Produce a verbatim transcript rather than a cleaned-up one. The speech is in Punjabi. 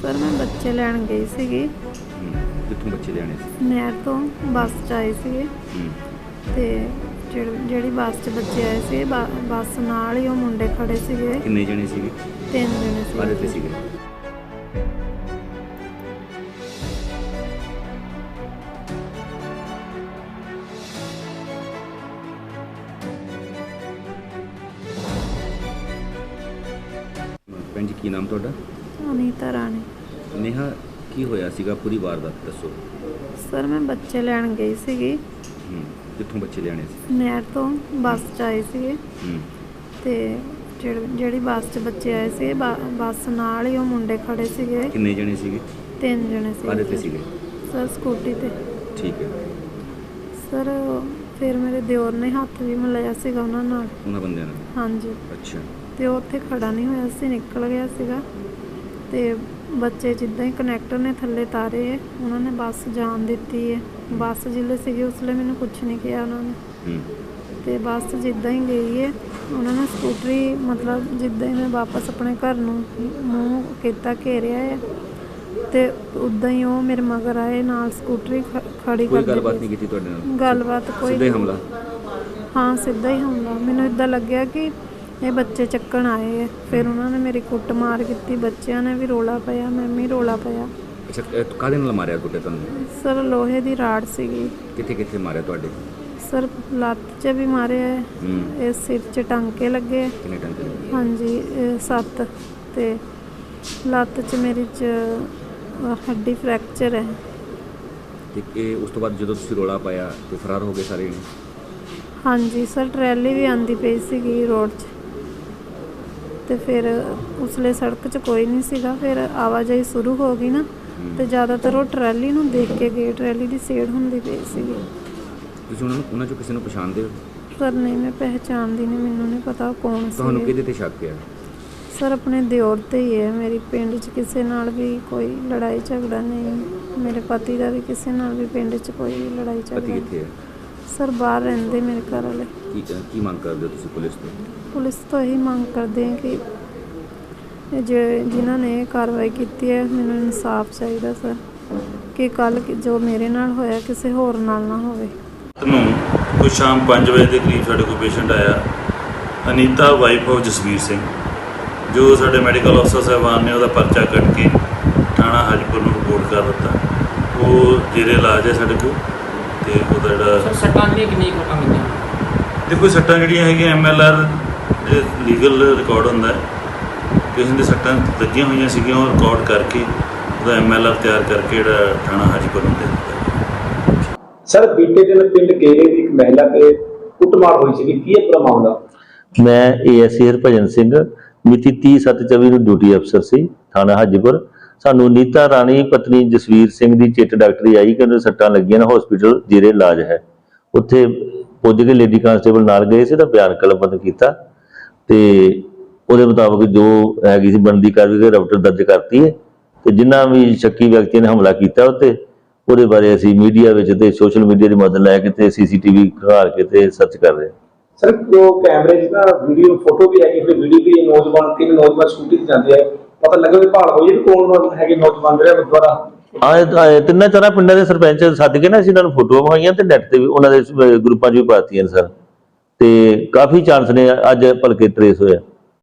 सर मैं बच्चे लैन गई सीगी। कित्थों बच्चे लियाने सी? नहर तो बस च आए सीगे ते ਜਿਹੜੀ ਬੱਸ 'ਚ ਬੱਚੇ ਆਏ ਸੀ ਬੱਸ ਨਾਲ ਹੀ ਉਹ ਮੁੰਡੇ ਖੜੇ ਸੀਗੇ। ਕਿੰਨੇ ਜਣੇ ਸੀਗੇ? ਤਿੰਨ ਜਣੇ ਸੀ। ਕਾਹਦੇ ਤੇ ਸੀਗੇ? ਭੈਣ ਜੀ ਕੀ ਨਾਮ ਤੁਹਾਡਾ? ਅਨੀਤਾ ਰਾਣੀ। ਨੇਹਾ ਕੀ ਹੋਇਆ ਸੀਗਾ ਪੂਰੀ ਵਾਰਦਾਤ ਦੱਸੋ। ਸਰ ਮੈਂ ਬੱਚੇ ਲੈਣ ਗਈ ਸੀਗੀ। ਕਿੱਥੋਂ ਬੱਚੇ ਲਿਆਣੇ ਸੀ? ਨਹਿਰ ਤੋਂ ਬੱਸ 'ਚ ਆਏ ਸੀਗੇ ਤੇ ਜਿਹੜੀ ਬੱਸ 'ਚ ਬੱਚੇ ਆਏ ਸੀ ਬੱਸ ਨਾਲ ਹੀ ਉਹ ਮੁੰਡੇ ਖੜੇ ਸੀਗੇ। ਕਿੰਨੇ ਜਣੇ ਸੀਗੇ? ਤਿੰਨ ਜਣੇ ਸੀ। ਕਾਹਦੇ ਤੇ ਸੀਗੇ? ਸਰ ਸਕੂਟੀ ਤੇ। ਠੀਕ ਹੈ ਸਰ ਫਿਰ ਮੇਰੇ ਦਿਓਰ ਨੇ ਹੱਥ ਵੀ ਮਿਲਾਇਆ ਸੀਗਾ ਉਹਨਾਂ ਨਾਲ। ਉਹਨਾਂ ਬੰਦਿਆਂ ਨਾਲ? ਹਾਂਜੀ। ਅੱਛਾ। ਤੇ ਉਹ ਉੱਥੇ ਖੜਾ ਨਹੀਂ ਹੋਇਆ ਸੀ, ਨਿਕਲ ਗਿਆ ਸੀਗਾ ਤੇ ਬੱਚੇ ਜਿੱਦਾਂ ਹੀ ਕਨੈਕਟਰ ਨੇ ਥੱਲੇ ਤਾਰੇ ਹੈ ਉਹਨਾਂ ਨੇ ਬੱਸ ਜਾਣ ਦਿੱਤੀ ਹੈ। ਬੱਸ ਜਿੱਲੇ ਸੀਗੀ ਉਸ ਵੇਲੇ ਮੈਨੂੰ ਕੁਛ ਨਹੀਂ ਕਿਹਾ ਉਹਨਾਂ ਨੇ ਤੇ ਬੱਸ ਜਿੱਦਾਂ ਹੀ ਗਈ ਹੈ ਉਹਨਾਂ ਨੇ ਸਕੂਟਰੀ ਮਤਲਬ ਜਿੱਦਾਂ ਹੀ ਮੈਂ ਵਾਪਸ ਆਪਣੇ ਘਰ ਨੂੰ ਮੂੰਹ ਕੀਤਾ ਘੇਰਿਆ ਹੈ ਤੇ ਉੱਦਾਂ ਹੀ ਉਹ ਮੇਰੇ ਮਗਰ ਆਏ ਨਾਲ ਸਕੂਟਰੀ ਖੜੀ ਕਰ ਦਿੱਤੀ। ਕੋਈ ਗੱਲਬਾਤ ਨਹੀਂ ਕੀਤੀ ਤੁਹਾਡੇ ਨਾਲ? ਗੱਲਬਾਤ ਕੋਈ ਸਿੱਧਾ ਹੀ ਹਮਲਾ? ਹਾਂ ਸਿੱਧਾ ਹੀ ਹਮਲਾ। ਮੈਨੂੰ ਇੱਦਾਂ ਲੱਗਿਆ ਕਿ ਇਹ ਬੱਚੇ ਚੱਕਣ ਆਏ ਹੈ। ਫਿਰ ਉਹਨਾਂ ਨੇ ਮੇਰੀ ਕੁੱਟ ਮਾਰ ਕੀਤੀ, ਬੱਚਿਆਂ ਨੇ ਵੀ ਰੋਲਾ ਪਾਇਆ, ਮੈਂ ਵੀ ਰੋਲਾ ਪਾਇਆ। ਅੱਛਾ ਕਾਹਦੇ ਨਾਲ ਮਾਰਿਆ ਕੁੱਟੇ ਤੁਹਾਨੂੰ? ਸਰ ਲੋਹੇ ਦੀ ਰਾੜ ਸੀਗੀ। ਕਿੱਥੇ ਕਿੱਥੇ ਮਾਰਿਆ ਤੁਹਾਡੇ? ਸਰ ਲੱਤ 'ਚ ਵੀ ਮਾਰਿਆ ਹੈ, ਇਹ ਸਿਰ 'ਚ ਟਾਂਕੇ ਲੱਗੇ। ਕਿੰਨੇ ਟਾਂਕੇ ਲੱਗੇ? ਹਾਂਜੀ ਸੱਤ ਤੇ ਲੱਤ 'ਚ ਮੇਰੀ 'ਚ ਹੱਡੀ ਫ੍ਰੈਕਚਰ ਹੈ। ਤੇ ਇਹ ਉਸ ਤੋਂ ਬਾਅਦ ਜਦੋਂ ਤੁਸੀਂ ਰੋਲਾ ਪਾਇਆ ਤੇ ਫਰਾਰ ਹੋ ਗਏ ਸਾਰੇ ਜਣੇ? ਹਾਂਜੀ ਸਰ ਟਰੈਲੀ ਵੀ ਆਂਦੀ ਪਈ ਸੀਗੀ ਰੋਡ 'ਚ ਤੇ ਫਿਰ ਉਸਲੇ ਸੜਕ 'ਚ ਕੋਈ ਨਹੀਂ ਸੀਗਾ। ਫਿਰ ਆਵਾਜਾਈ ਸ਼ੁਰੂ ਹੋ ਗਈ ਨਾ ਤੇ ਜ਼ਿਆਦਾਤਰ ਉਹ ਟਰੈਲੀ ਨੂੰ ਦੇਖ ਕੇ ਗਏ, ਟਰੈਲੀ ਦੀ ਸੇੜ ਹੁੰਦੀ ਪਈ ਸੀਗੀ। ਤੁਸੀਂ ਉਹਨਾਂ ਨੂੰ ਉਹਨਾਂ 'ਚੋਂ ਕਿਸੇ ਨੂੰ ਪਛਾਣਦੇ ਹੋ? ਸਰ ਨਹੀਂ ਮੈਂ ਪਹਿਚਾਣਦੀ ਨਹੀਂ, ਮੈਨੂੰ ਨਹੀਂ ਪਤਾ ਕੌਣ ਸੀ। ਤੁਹਾਨੂੰ ਕਿਹਦੇ ਤੇ ਸ਼ੱਕ ਹੈ? ਸਰ ਆਪਣੇ ਦਿਓਰ ਤੇ ਹੀ ਹੈ। ਮੇਰੀ ਪਿੰਡ 'ਚ ਕਿਸੇ ਨਾਲ ਵੀ ਕੋਈ ਲੜਾਈ ਝਗੜਾ ਨਹੀਂ। ਮੇਰੇ ਪਤੀ ਦਾ ਵੀ ਕਿਸੇ ਨਾਲ ਵੀ ਪਿੰਡ 'ਚ ਕੋਈ ਲੜਾਈ ਝਗੜਾ ਪਤੀ ਕਿੱਥੇ ਹੈ? ਸਰ ਬਾਹਰ ਰਹਿੰਦੇ ਮੇਰੇ ਘਰ ਵਾਲੇ। ਕੀ ਕੀ ਮੰਗ ਕਰਦੇ ਹੋ ਤੁਸੀਂ ਪੁਲਿਸ ਤੋਂ? ਪੁਲਿਸ ਤੋਂ ਇਹੀ ਮੰਗ ਕਰਦੇ ਹਾਂ ਕਿ ਜੇ ਜਿਨ੍ਹਾਂ ਨੇ ਇਹ ਕਾਰਵਾਈ ਕੀਤੀ ਹੈ ਮੈਨੂੰ ਇਨਸਾਫ ਚਾਹੀਦਾ ਸਰ ਕਿ ਕੱਲ੍ਹ ਜੋ ਮੇਰੇ ਨਾਲ ਹੋਇਆ ਕਿਸੇ ਹੋਰ ਨਾਲ ਨਾ ਹੋਵੇ। ਨੂੰ ਕੋਈ ਸ਼ਾਮ ਪੰਜ ਵਜੇ ਦੇ ਕਰੀਬ ਸਾਡੇ ਕੋਲ ਪੇਸ਼ੈਂਟ ਆਇਆ, ਅਨੀਤਾ ਵਾਈਫ ਆਫ ਜਸਵੀਰ ਸਿੰਘ, ਜੋ ਸਾਡੇ ਮੈਡੀਕਲ ਅਫਸਰ ਸਾਹਿਬਾਨ ਨੇ ਉਹਦਾ ਪਰਚਾ ਕੱਟ ਕੇ ਥਾਣਾ ਹਾਜੀਪੁਰ ਨੂੰ ਰਿਪੋਰਟ ਕਰ ਦਿੱਤਾ। ਉਹ ਜਿਹੜੇ ਇਲਾਜ ਹੈ ਸਾਡੇ ਕੋਲ ਤੇ ਉਹਦਾ ਜਿਹੜਾ ਸੱਟਾਂ ਦੀਆਂ ਕਿੰਨੀ ਕੁ ਲੱਗੀਆਂ? ਦੇਖੋ ਸੱਟਾਂ ਜਿਹੜੀਆਂ ਹੈਗੀਆਂ ਐਮ ਐਲ ਆਰ ਜੇ ਲੀਗਲ ਰਿਕਾਰਡ ਹੁੰਦਾ ਕਿਸੇ ਦੇ ਸੱਟਾਂ ਲੱਗੀਆਂ ਹੋਈਆਂ ਸੀਗੀਆਂ ਉਹ ਰਿਕਾਰਡ ਕਰਕੇ ਉਹਦਾ ਐਮ ਐਲ ਆਰ ਤਿਆਰ ਕਰਕੇ ਜਿਹੜਾ ਥਾਣਾ ਹਾਜੀਪੁਰ ਨੂੰ ਦੇ ਦਿੱਤਾ। ਸਰ ਬੀਤੇ ਦਿਨ ਪਿੰਡ ਗੇਰੇ ਦੀ ਇੱਕ ਮਹਿਲਾ ਤੇ ਕੁੱਟਮਾਰ ਹੋਈ ਸੀ, ਕੀ ਹੈ ਪੂਰਾ ਮਾਮਲਾ? ਮੈਂ ਏਐਸਏ ਹਰਭਜਨ ਸਿੰਘ ਮਿਤੀ ਤੀਹ ਸੱਤ ਚੌਵੀ ਨੂੰ ਡਿਊਟੀ ਅਫਸਰ ਸੀ ਥਾਣਾ ਹਾਜੀਪੁਰ। ਸਾਨੂੰ ਨੀਤਾ ਰਾਣੀ ਪਤਨੀ ਜਸਵੀਰ ਸਿੰਘ ਦੀ ਚਿੱਟ ਡਾਕਟਰੀ ਆਈ ਕਿ ਉਹਨੂੰ ਸੱਟਾਂ ਲੱਗੀਆਂ ਨੇ, ਹਸਪੀਟਲ ਜੇਰੇ ਇਲਾਜ ਹੈ। ਉੱਥੇ ਪੁੱਜ ਕੇ ਲੇਡੀ ਕਾਂਸਟੇਬਲ ਨਾਲ ਗਏ ਸੀ ਤਾਂ ਬਿਆਨ ਕਲਮਬੰਦ ਕੀਤਾ ਤੇ ਉਹਦੇ ਮੁਤਾਬਕ ਜੋ ਹੈਗੀ ਸੀ ਬਣਦੀ ਕਾਰਵਾਈ ਰਪਟ ਦਰਜ ਕਰਤੀ ਹੈ ਤੇ ਜਿਨ੍ਹਾਂ ਵੀ ਸ਼ੱਕੀ ਵਿਅਕਤੀਆਂ ਨੇ ਹਮਲਾ ਕੀਤਾ ਉੱਤੇ ਉਹਦੇ ਬਾਰੇ ਅਸੀਂ ਮੀਡੀਆ ਵਿੱਚ ਤੇ ਸੋਸ਼ਲ ਮੀਡੀਆ ਦੀ ਮਦਦ ਲੈ ਕੇ ਤੇ ਸੀਸੀਟੀਵੀ ਖੰਗਾਲ ਕੇ ਤੇ ਸਰਚ ਕਰ ਰਹੇ ਹਾਂ। ਸਰ ਉਹ ਕੈਮਰੇ 'ਚ ਨਾ ਵੀਡੀਓ ਫੋਟੋ ਵੀ ਹੈਗੀ, ਫਿਰ ਵੀਡੀਓ ਵੀ ਨੌਜਵਾਨ ਤਿੰਨ ਨੌਜਵਾਨ ਸਕੂਟੀ ਤੇ ਜਾਂਦੇ ਆ, ਪਤਾ ਲੱਗਾ ਵੀ ਭਾਲ ਹੋਈ ਵੀ ਕੌਣ ਹੈਗੇ ਨੌਜਵਾਨ ਜਿਹੜੇ ਗੁਰਦੁਆਰਾ ਆ ਤਿੰਨਾਂ ਚਾਰਾਂ ਪਿੰਡਾਂ ਦੇ ਸਰਪੰਚ ਸੱਦ ਕੇ ਨਾ ਅਸੀਂ ਇਹਨਾਂ ਨੂੰ ਫੋਟੋਆਂ ਵਿਖਾਈਆਂ ਤੇ ਨੈਟ ਤੇ ਵੀ ਉਹਨਾਂ ਦੇ ਗਰੁੱਪਾਂ 'ਚ ਵੀ ਪਾਤੀਆਂ ਨੇ ਸਰ ਤੇ ਕਾਫੀ ਚਾਂਸ ਨੇ ਅੱਜ ਭਲਕੇ ਟਰੇਸ ਹੋਇਆ।